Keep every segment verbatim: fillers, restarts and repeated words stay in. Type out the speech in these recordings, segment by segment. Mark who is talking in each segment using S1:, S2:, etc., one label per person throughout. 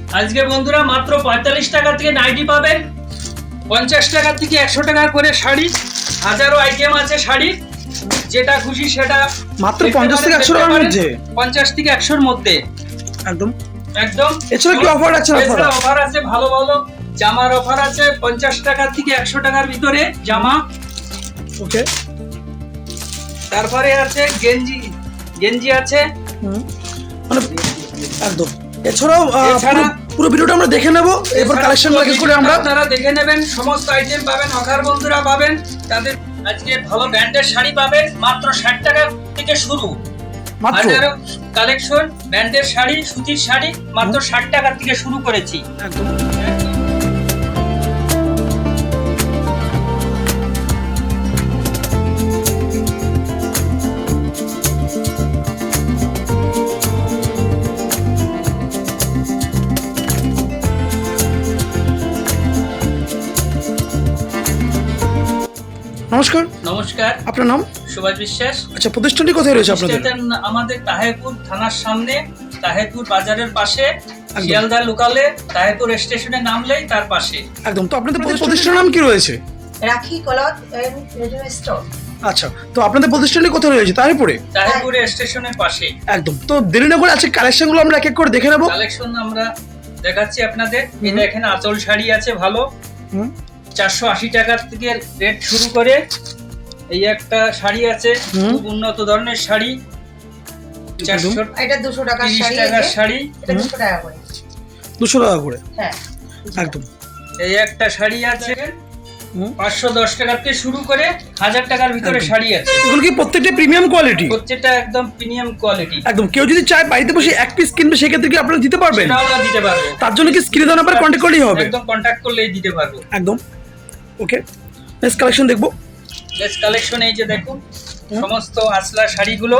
S1: আজকে বন্ধুরা মাত্র পঁয়তাল্লিশ টাকা থেকে নাইটি পাবেন, পঞ্চাশ টাকা থেকে একশো টাকা করে শাড়ি, হাজারো আইটেম আছে শাড়ির, যেটা খুশি সেটা
S2: মাত্র পঞ্চাশ থেকে একশো টাকার মধ্যে,
S1: পঞ্চাশ থেকে একশোর মধ্যে
S2: একদম
S1: একদম।
S2: এছাড়া কি অফার আছে?
S1: এছাড়া অফার আছে, ভালো ভালো জামার অফার আছে, পঞ্চাশ টাকা থেকে একশো টাকার ভিতরে জামা।
S2: ওকে,
S1: তারপরে আছে গেঞ্জি, গেঞ্জি আছে
S2: মানে একদম। এছাড়াও
S1: এছাড়া
S2: পুরো ভিডিওটা আমরা দেখে নেব, এরপর কালেকশন এক এক করে আমরা
S1: আপনারা দেখে নেবেন, সমস্ত আইটেম পাবেন, অফার বন্ধুরা পাবেন। তাদের আজকে ভালো ব্র্যান্ডের শাড়ি পাবেন মাত্র ষাট টাকা থেকে শুরু,
S2: মাত্র
S1: হাজারো কালেকশন ব্র্যান্ডের শাড়ি, সুতির শাড়ি মাত্র ষাট টাকা থেকে শুরু করেছি
S2: একদম। নমস্কার।
S1: নমস্কার,
S2: আপনার নাম?
S1: সুভাষ বিশ্বাস।
S2: আচ্ছা, প্রতিষ্ঠানটি কোথায় রয়েছে আপনাদের?
S1: প্রতিষ্ঠান আমাদের তাহেরপুর থানার সামনে, তাহেরপুর বাজারের পাশে, শিয়ালদা লোকালে তাহেরপুর স্টেশনে নামলেই তার পাশে।
S2: একদম। তো আপনাদের প্রতিষ্ঠানের নাম কি রয়েছে?
S3: রাখি ক্লথ এন্ড রেডিমেড স্টোর।
S2: আচ্ছা, তো আপনাদের প্রতিষ্ঠানটি কোথায় রয়েছে? তাহেরপুরে?
S1: তাহেরপুর স্টেশনের পাশে।
S2: একদম। তো দেরি না করে আজকে কালেকশনগুলো আমরা এক এক করে দেখে নেব।
S1: কালেকশন আমরা দেখাচ্ছি আপনাদের। এই দেখেন আঁচল শাড়ি আছে ভালো,
S2: হুম,
S1: চারশো আশি টাকা থেকে রেট শুরু করে। এই একটা শাড়ি আছে খুব উন্নত ধরনের শাড়ি, চারশো
S3: এটা দুশো টাকার
S1: তিরিশ
S3: শাড়ি,
S1: টাকার শাড়ি,
S3: এটা দুশো টাকা করে।
S2: দুশো টাকা করে?
S3: হ্যাঁ,
S2: একদম।
S1: এই একটা শাড়ি আছে
S2: হুম,
S1: পাঁচশো দশ টাকা থেকে শুরু করে হাজার টাকার ভিতরে শাড়ি আছে।
S2: এগুলো কি প্রত্যেকটা প্রিমিয়াম কোয়ালিটি?
S1: প্রত্যেকটা একদম প্রিমিয়াম কোয়ালিটি।
S2: একদম। কেউ যদি চায় বাড়িতে বসে এক পিস কিনবে, সেক্ষেত্রে কি আপনারা দিতে পারবেন?
S1: সেটাও আমরা দিতে পারবো।
S2: তার জন্য কি স্ক্রিনে দেওয়া নাম্বারে কন্ট্যাক্ট করলেই হবে?
S1: একদম কন্টাক্ট করলেই দিতে পারবো।
S2: একদম। ওকে, নেক্সট কালেকশন দেখবো।
S1: নেক্সট কালেকশন এই যে দেখুন, সমস্ত আসলা শাড়িগুলো।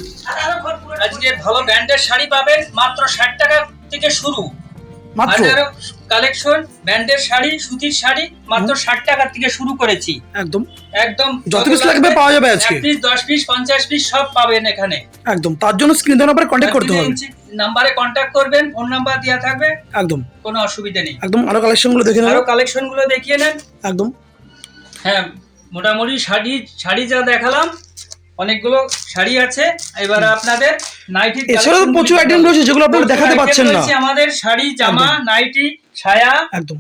S1: আজকে ভালো ব্র্যান্ডের শাড়ি পাবেন মাত্র ষাট টাকা থেকে শুরু,
S2: মাত্র
S1: হাজারো কালেকশন ব্র্যান্ডের শাড়ি, সুতির শাড়ি মাত্র ষাট টাকা থেকে শুরু করেছি।
S2: একদম
S1: একদম
S2: যত পিস লাগবে পাওয়া যাবে আজকে।
S1: এক পিস, দশ পিস, পঞ্চাশ পিস সব পাবেন এখানে।
S2: একদম। তার জন্য স্ক্রিনে দেওয়া নাম্বারে কন্ট্যাক্ট করতে হবে।
S1: নাম্বারে কন্ট্যাক্ট করবেন, ফোন নাম্বার দেওয়া থাকবে,
S2: একদম
S1: কোনো অসুবিধা নেই।
S2: একদম। আরো কালেকশনগুলো দেখে নেব।
S1: আরো কালেকশন গুলো দেখিয়ে নেন।
S2: একদম।
S1: হ্যাঁ, মোটামুটি শাড়ি শাড়ি যা দেখালাম, অনেকগুলো শাড়ি আছে। এবারে আপনাদের নাইটি,
S2: এছাড়াও প্রচুর আইটেম রয়েছে যেগুলো আপনারা দেখাতে পাচ্ছেন না।
S1: আমাদের শাড়ি, জামা, নাইটি, ছায়া।
S2: একদম।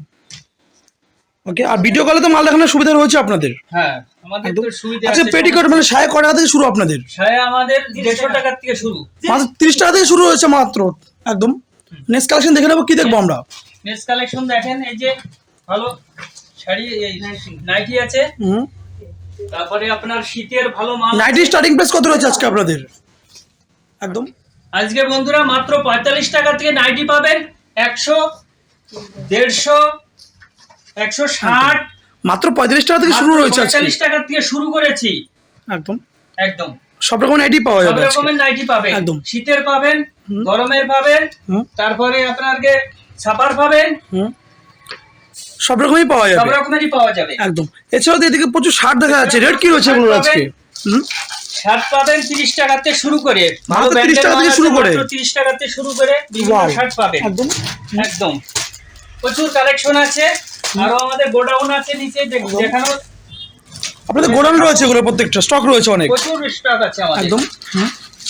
S2: ওকে, আর ভিডিও কলে তো মাল দেখানোর সুবিধা রয়েছে আপনাদের।
S1: হ্যাঁ, আমাদের তো সুবিধা
S2: আচ্ছা,
S1: আছে।
S2: পেটিকোট মানে সায়া কয় টাকা থেকে শুরু আপনাদের?
S1: ছায়া আমাদের দেড়শো টাকা থেকে শুরু,
S2: মাত্র তিরিশ টাকা থেকে শুরু হয়েছে মাত্র। একদম। নেক্সট কালেকশন দেখে নেবো, কি দেখবো আমরা?
S1: নেক্সট কালেকশন দেখেন, এই যে ভালো শাড়ি, এই নাইটি আছে।
S2: হুম,
S1: তারপরে আপনার শীতের ভালো মাল।
S2: নাইটি স্টার্টিং প্রাইস কত রয়েছে আজকে আপনাদের? একদম।
S1: আজকে বন্ধুরা মাত্র পঁয়তাল্লিশ টাকা থেকে নাইটি পাবেন, একশো, দেড়শো, একশো ষাট,
S2: মাত্র পঁয়তাল্লিশ টাকা থেকে শুরু রয়েছে আজকে।
S1: পঁয়তাল্লিশ টাকা থেকে শুরু করেছি।
S2: একদম।
S1: একদম
S2: সব রকম নাইটি পাওয়া
S1: সব
S2: যাবে আজকে।
S1: রকমের নাইটি পাবেন,
S2: একদম।
S1: শীতের পাবেন, গরমের পাবেন,
S2: হুম,
S1: তারপরে আপনাকে ছাপার পাবেন,
S2: হুম, সব রকমই পাওয়া
S1: সব
S2: যাবে।
S1: রকমেরই পাওয়া যাবে।
S2: একদম। এছাড়াও তো এদিকে প্রচুর শার্ট দেখা যাচ্ছে। রেট কি রয়েছে এগুলো আজকে? হুম,
S1: শার্ট পাবেন তিরিশ টাকা থেকে শুরু করে, ভালো
S2: মাত্র তিরিশ
S1: ব্র্যান্ডের
S2: টাকা থেকে
S1: মাল
S2: শুরু
S1: আছে,
S2: করে?
S1: মাত্র তিরিশ টাকা থেকে শুরু করে বিভিন্ন
S2: Wow.
S1: শার্ট পাবেন।
S2: একদম
S1: একদম প্রচুর কালেকশন আছে। আরো আমাদের গোডাউন আছে নিচে, দেখ- দেখানো
S2: আপনাদের গোডাউন রয়েছে, এগুলো প্রত্যেকটা স্টক রয়েছে অনেক।
S1: প্রচুর স্টক আছে আমাদের।
S2: একদম। হুম।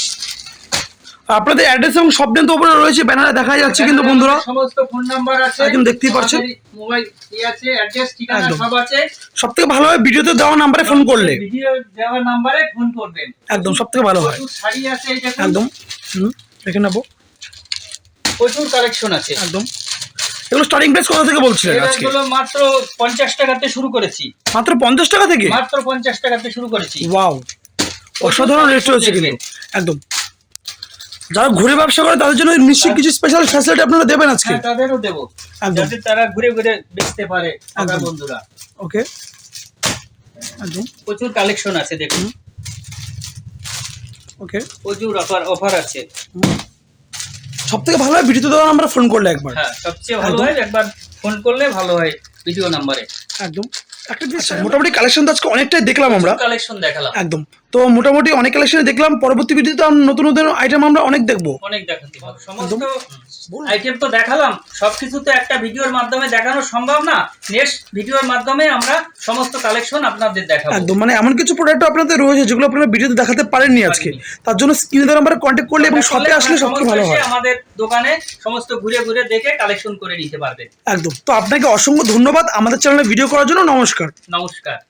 S2: আপনাদের অ্যাড্রেস এবং সব দিন তো উপরে রয়েছে, ব্যানারে দেখা যাচ্ছে কিন্তু বন্ধুরা।
S1: সমস্ত ফোন নাম্বার আছে,
S2: একদম দেখতেই পাচ্ছেন।
S1: মোবাইল ই আছে, অ্যাড্রেস, ঠিকানা
S2: একদম।
S1: সব আছে।
S2: সব থেকে ভালো হয় ভিডিওতে দেওয়া নাম্বারে ফোন করলে।
S1: ভিডিও দেওয়ার নাম্বারে ফোন করবেন।
S2: একদম, সব থেকে ভালো হয়।
S1: প্রচুর শাড়ি আছে, এই দেখুন।
S2: একদম। হুম, দেখে নেবো।
S1: প্রচুর কালেকশন আছে।
S2: একদম। এগুলো স্টার্টিং প্রাইস কত থেকে বলছিলেন আজকে?
S1: এগুলো মাত্র পঞ্চাশ টাকাতে শুরু করেছি।
S2: মাত্র পঞ্চাশ টাকা থেকে?
S1: মাত্র পঞ্চাশ টাকাতে শুরু করেছি।
S2: ওয়াও, অসাধারণ রেট রয়েছে কিন্তু। একদম। যারা ঘুরে ব্যবসা করে তাদের জন্য নিশ্চয়ই কিছু স্পেশাল ফ্যাসিলিটি আপনারা দেবেন আজকে।
S1: হ্যাঁ, তাদেরও দেবো,
S2: একদম।
S1: যাতে তারা ঘুরে ঘুরে বেচতে পারে। আমার
S2: একদম।
S1: বন্ধুরা
S2: ওকে। একদম।
S1: প্রচুর কালেকশন আছে, দেখুন।
S2: ওকে।
S1: প্রচুর অফার অফার আছে।
S2: সব থেকে ভালো হয় ভিডিওতে দেওয়া আমরা ফোন করলে একবার।
S1: হ্যাঁ, সবচেয়ে ভালো
S2: একদম।
S1: হয় একবার ফোন করলে ভালো হয় ভিডিও নাম্বারে।
S2: একদম। একটা জিনিস, মোটামুটি কালেকশন তো আজকে অনেকটাই দেখলাম আমরা।
S1: কালেকশন দেখালাম।
S2: একদম। তো মোটামুটি অনেক কালেকশনে দেখলাম, পরবর্তী ভিডিওতে আমরা নতুন নতুন আইটেম আমরা অনেক দেখবো।
S1: অনেক দেখাতে পারবো। সমস্ত আইটেম তো দেখালাম, সবকিছু তো একটা ভিডিওর মাধ্যমে দেখানো সম্ভব না। নেক্সট ভিডিওর মাধ্যমে আমরা সমস্ত কালেকশন আপনাদের দেখাবো।
S2: একদম, মানে এমন কিছু প্রোডাক্ট আপনাদের রয়েছে যেগুলো আপনারা ভিডিওতে দেখাতে পারেননি আজকে, তার জন্য স্ক্রিনে দেওয়া নাম্বারে কন্ট্যাক্ট করলে এবং শপে আসলে সবচেয়ে ভালো হয়।
S1: আমাদের দোকানে সমস্ত ঘুরে ঘুরে দেখে কালেকশন করে নিতে পারবেন।
S2: একদম। তো আপনাকে অসংখ্য ধন্যবাদ আমাদের চ্যানেলে ভিডিও করার জন্য। নমস্কার।
S1: নমস্কার।